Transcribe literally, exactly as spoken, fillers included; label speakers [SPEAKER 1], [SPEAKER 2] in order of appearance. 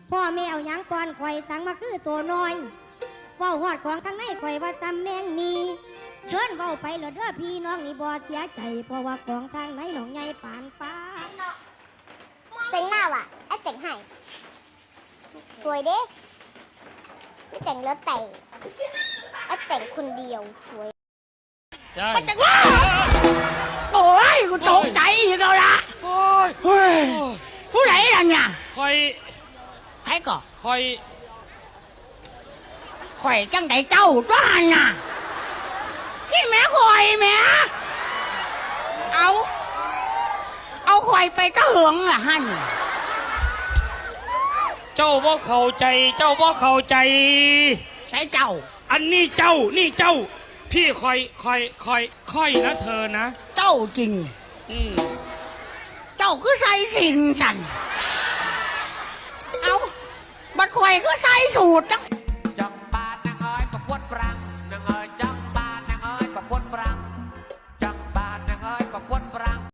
[SPEAKER 1] พ่อแม่เอาหยังก่อนข่อยสั่งมาคือตัวน้อยเว้าหอดของข้างในข่อยว่าตำแมงมีเชิญเว้าไปเหรอเด้อพี่น้องนี่บ่เสียใจเพราะว่าของทางไหนหนองใหญ่ปานฟ้า
[SPEAKER 2] แต่งหน้าว่ะไอ้แต่งให้สวยเด้ไม่แต่งแล้วแต่งไอ้แต่งคนเดียวสวย
[SPEAKER 3] มันจะว่าโอ้ยกูตกใจอีกแล้วล่ะโอ้ยเฮ้ยผู้ไหนล่ะเนี่ย
[SPEAKER 4] คอย
[SPEAKER 3] ใครก่อ
[SPEAKER 4] คอย
[SPEAKER 3] ข่อยจังไดเจ้าตัวหันน่ะพี่แม่ข่อยแม่เอาเอาข่อยไปกระเหืองล่ะฮั่น
[SPEAKER 4] เจ้าบ่เข้าใจเจ้าบ่เข้าใจ
[SPEAKER 3] ใช่เจ้า
[SPEAKER 4] อันนี้เจ้านี่เจ้าพี่คอยคอยคอยคอยนะเธอนะ
[SPEAKER 3] เจ้าจริง
[SPEAKER 4] อืม
[SPEAKER 3] เจ้าคือใส่สิ่งฉันเอาบัดข่อยคือใส่สูตรจัง
[SPEAKER 5] จับปาดนางอ้อยประกวดปร